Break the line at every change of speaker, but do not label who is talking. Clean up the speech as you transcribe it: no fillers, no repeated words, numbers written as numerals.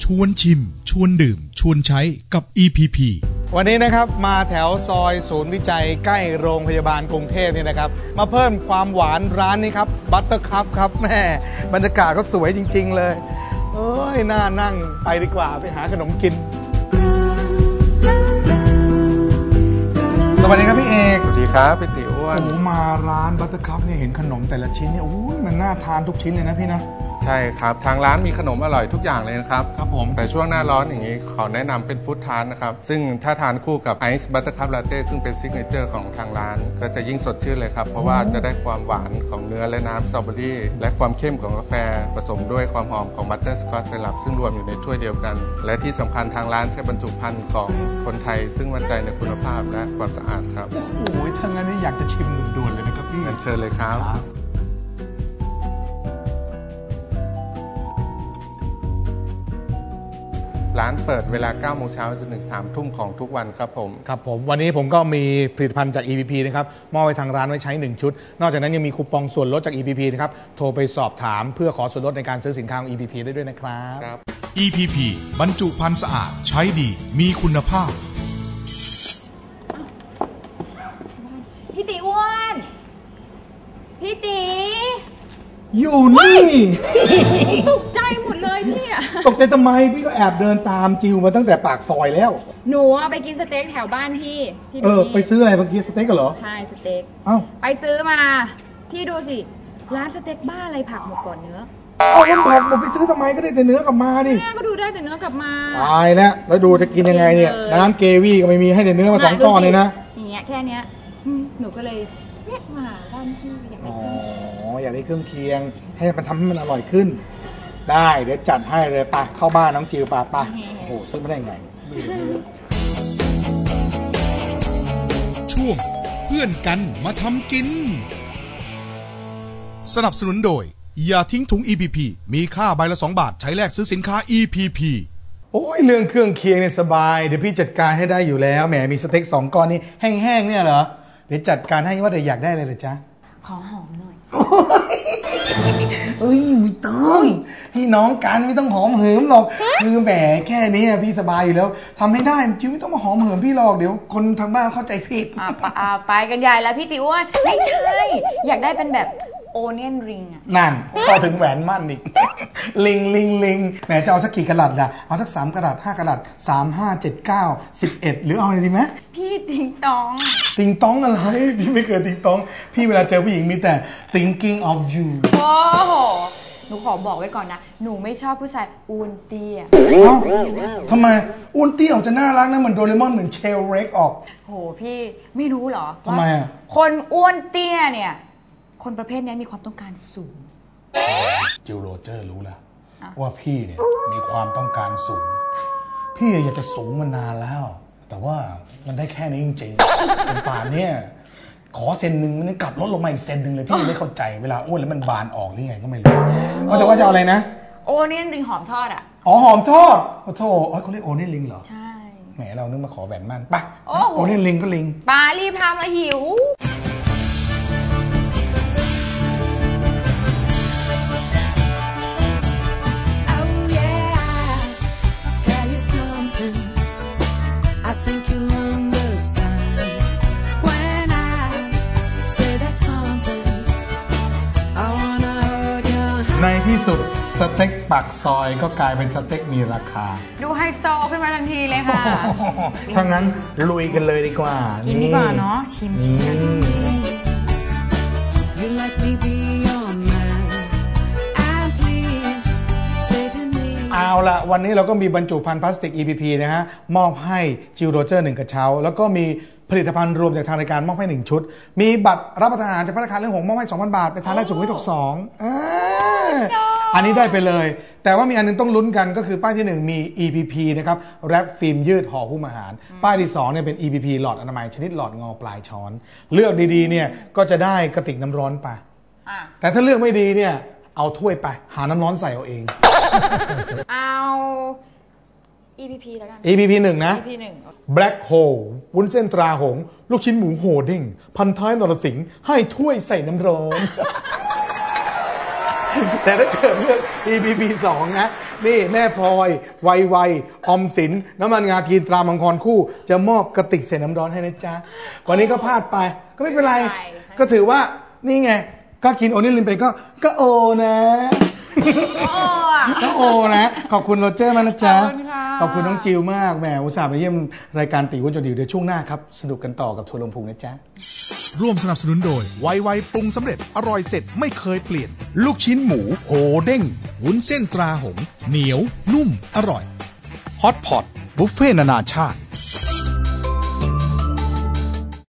วนชิมชวนดื่มชวนใช้กับ EPP
วันนี้นะครับมาแถวซอยศูนย์วิจัยใกล้โรงพยาบาลกรุงเทพนี่นะครับมาเพิ่มความหวานร้านนี้ครับบัตเตอร์คัพครับแม่บรรยากาศก็สวยจริงๆเลยเอ้ยน่านั่งไปดีกว่าไปหาขนมกินสวัสดีครับพี่เอก
สวัสดีครับพี่ติ๋วอ้วน
โอ้มาร้านบัตเตอร์คัพเนี่ยเห็นขนมแต่ละชิ้นเนี่ยโอ้ยมันน่าทานทุกชิ้นเลยนะพี่นะ
ใช่ครับทางร้านมีขนมอร่อยทุกอย่างเลยนะครับ
ครับผม
แต่ช่วงหน้าร้อนอย่างนี้ขอแนะนำเป็นฟู้ดทาร์ตนะครับซึ่งถ้าทานคู่กับไอซ์บัตเตอร์คัพลาเต้ซึ่งเป็นซิกเนเจอร์ของทางร้านก็จะยิ่งสดชื่นเลยครับเพราะว่าจะได้ความหวานของเนื้อและน้ำสตรอเบอรี่และความเข้มของกาแฟผสมด้วยความหอมของบัตเตอร์สกอตไซรัปซึ่งรวมอยู่ในถ้วยเดียวกันและที่สำคัญทางร้านใช้บรรจุภัณฑ์ของคนไทยซึ่งมั่นใจในคุณภาพและความสะอาดครับ
โอ้ยทั้งนั้นนี่อยากจะชิมด่วนๆเลยนะครับพี่
เชิญเลยครับร้านเปิดเวลา 9 โมงเช้าจนถึง 3 ทุ่มของทุกวันครับผม
ครับผมวันนี้ผมก็มีผลิตภัณฑ์จาก EPP นะครับมอบให้ทางร้านไว้ใช้1ชุดนอกจากนั้นยังมีคูปองส่วนลดจาก EPP นะครับโทรไปสอบถามเพื่อขอส่วนลดในการซื้อสินค้าของ EPP ได้ด้วยนะครับ
EPP บรรจุภัณฑ์สะอาดใช้ดีมีคุณภาพ
พี่ตีอ้วนพี่ตี
อยู่นี่
ตกใจหมดเลยพี่อะ
ตกใจทำไมพี่ก็แอบเดินตามจิวมาตั้งแต่ปากซอยแล้ว
หนูไปกินสเต็กแถวบ้านพี่
ไปซื้ออะไรเมื่อกี้สเต็กกันเหรอ
ใช่สเต็กไปซื้อมาพี่ดูสิร้านสเต็กบ้าอะไรผักหมดก่อนเนื้อ
แล้วผักหมดไปซื้อทำไมก็ได้แต่เนื้อกลับมาดิ
แม่ก็ดูได้แต่เนื้อกลับมา
ตายแล้วดูจะกินยังไงเนี่ยน้ำเกวี่ก็ไม่มีให้แต่เนื้อมา2 ก้อนเลยนะ
อย่างเงี้ยแค่เนี้ยหนูก็เลยเรียกมาบ้านพี่
อยากได้เครื่องเคียงให้มันทำให้มันอร่อยขึ้นได้เดี๋ยวจัดให้เลยไปเข้าบ้านน้องจิวไปโอ้โหซื้อไม่ได้ไง
ช่วงเพื่อนกันมาทำกินสนับสนุนโดยอย่าทิ้งถุง EPP มีค่าใบละ2 บาทใช้แลกซื้อสินค้า EPP
โอ้ยเรื่องเครื่องเคียงเนี่ยสบายเดี๋ยวพี่จัดการให้ได้อยู่แล้วแหมมีสเต็ก2 ก้อนนี่แห้งๆเนี่ยเหรอเดี๋ยวจัดการให้ว่าแต่อยากได้อะไรเหรอจ๊ะ
ขอหอมหน่อย
เอ้ยไม่ต้องพี่น้องกันไม่ต้องหอมเหิมหรอกคือแหมแค่นี้พี่สบายอยู่แล้วทำให้ได้จิ๋วไม่ต้องมาหอมเหิมพี่หรอกเดี๋ยวคนทางบ้านเข้าใจผิด
ไปกันใหญ่แล้วพี่ติ๋วว่าไม่ใช่อยากได้เป็นแบบโอเนียนริงอ่ะ
นั่นพอถึงแหวนมั่นอีกลิงแหมจะเอาสักกี่กะรัตล่ะเอาสัก3 กะรัต5 กะรัต3 5 7 9 11หรือเอาอะไรดีไหม
พี่ติงต
องอะไรพี่ไม่เคยติงตองพี่เวลาเจอผู้หญิงมีแต่ thinking of you
โอ้โหหนูขอบอกไว้ก่อนนะหนูไม่ชอบผู้ชายอ้วนเตี้ย
ทำไมอ้วนเตี้ยออกจะน่ารักนะเหมือนโดเรมอนเหมือนเชลเร็กออก
โหพี่ไม่รู้เหรอ
ทำไมอ่ะ
คนอ้วนเตี้ยเนี่ยคนประเภทนี้มีความต้องการสูง
จิลโรเจอร์รู้แล้วว่าพี่เนี่ยมีความต้องการสูงพี่อยากจะสูงมานานแล้วแต่ว่ามันได้แค่นี้จริงๆเป็นป่านเนี่ยขอเซนหนึ่งมันกลับลดลงมาอีกเซนหนึ่งเลยพี่ไม่เข้าใจเวลาอ้วนแล้วมันบานออกหรือไงก็ไม่รู้ว่าแต่ว่าจะเอาอะไรนะ
โอเนียนริงหอมทอดอ่ะ
อ๋อหอมทอดโอ้โธ่เขาเรียกโอเนียนริงเหรอ
ใช่
แหมเรานึกมาขอแหวนมั่นไปโอเนียนริงก็ริง
ปารีบทำละหิว
ในที่สุดสเต็กปากซอยก็กลายเป็นสเต็กมีราคา
ดูไฮโซขึ้นมาทันทีเลยค่ะ
ถ้างั้นลุยกันเลยดีกว่า
กินดีกว่าเนาะชิม
เอาละวันนี้เราก็มีบรรจุภัณฑ์พลาสติก EPP นะฮะมอบให้จิลโรเจอร์1 กระเช้าแล้วก็มีผลิตภัณฑ์รวมจากทางรายการมอบให้1 ชุดมีบัตรรับประทานอาหารจากธนาคารเรื่องหงส์มอบให้ 2,000 บาทไปทานได้สุขวิท62อันนี้ได้ไปเลยแต่ว่ามีอันนึงต้องลุ้นกันก็คือป้ายที่1มี EPP นะครับแรปฟิล์มยืดห่อหุ้มอาหารป้ายที่2เนี่ยเป็น EPP หลอดอนามัยชนิดหลอดงอปลายช้อนเลือกดีๆเนี่ยก็จะได้กระติกน้ำร้อนไปแต่ถ้าเลือกไม่ดีเนี่ยเอาถ้วยไปหาน้ำร้อนใส่เอาเอง
เอา EPP แล้วกัน
EPP 1นะ
EPP 1
Black Hole วุ้นเส้นตราหงส์ลูกชิ้นหมูโหเด้งพันท้ายนรสิงห์ให้ถ้วยใส่น้ำร้อนแต่ถ้าเกิดเลือก EPP 2นะนี่แม่พลอยไวออมสินน้ำมันงาทีนตรามังกรคู่จะมอบกระติกใส่น้ำร้อนให้นะจ๊ะวันนี้ก็พลาดไปก็ไม่เป็นไรก็ถือว่านี่ไงก็กินโอนิลินไปก็โอนะก็โอนะขอบคุณโรเจอร์มากนะจ๊ะขอบคุณน้องจิวมากแหมอุตส่าห์ไปเยี่ยมรายการตีอ้วนจนดิวเดี๋ยวช่วงหน้าครับสนุกกันต่อกับทัวร์ลงพุงนะจ๊ะ
ร่วมสนับสนุนโดยไวปรุงสำเร็จอร่อยเสร็จไม่เคยเปลี่ยนลูกชิ้นหมูโหเด้งวุ้นเส้นตราหงส์เหนียวนุ่มอร่อยฮอตพอตบุฟเฟ่ต์นานาชาติ